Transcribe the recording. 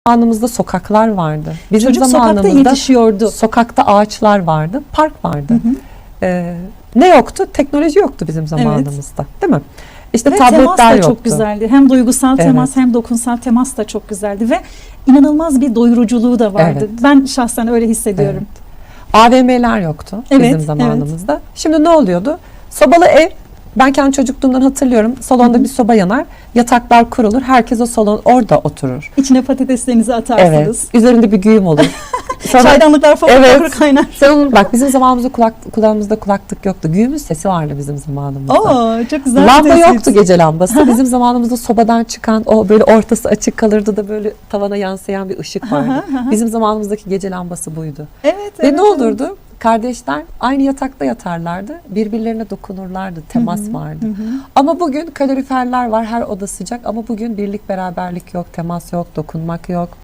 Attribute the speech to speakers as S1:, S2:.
S1: zamanımızda sokaklar vardı. Bizim
S2: Çocuk sokakta
S1: zamanımızda
S2: yetişiyordu.
S1: sokakta ağaçlar vardı, park vardı. Ne yoktu? Teknoloji yoktu bizim zamanımızda, değil mi? İşte
S2: Ve temas
S1: tabletler
S2: da
S1: yoktu.
S2: çok güzeldi. Hem duygusal temas hem dokunsal temas da çok güzeldi ve inanılmaz bir doyuruculuğu da vardı.
S1: Evet.
S2: Ben şahsen öyle hissediyorum.
S1: AVM'ler yoktu
S2: Evet,
S1: bizim zamanımızda. Şimdi ne oluyordu? Sobalı ev. Ben kendi çocukluğumdan hatırlıyorum. Salonda bir soba yanar, yataklar kurulur. Herkes o salon orada oturur.
S2: İçine patateslerinizi atarsınız.
S1: Evet. Üzerinde bir güğüm olur. Sonra,
S2: Çaydanlıklar falan
S1: Evet.
S2: kaynar.
S1: sen onu, bak bizim zamanımızda kulağımızda kulaklık yoktu. Güğümün sesi vardı bizim zamanımızda.
S2: Oo, çok güzel.
S1: Lamba
S2: bir tespit.
S1: yoktu, gece lambası. Bizim zamanımızda sobadan çıkan o böyle ortası açık kalırdı da böyle tavana yansıyan bir ışık vardı. Bizim zamanımızdaki gece lambası buydu.
S2: Evet.
S1: Ve ne olurdu? Kardeşler aynı yatakta yatarlardı. Birbirlerine dokunurlardı. Temas vardı. Ama bugün kaloriferler var. Her oda sıcak. Ama bugün birlik beraberlik yok. Temas yok. Dokunmak yok.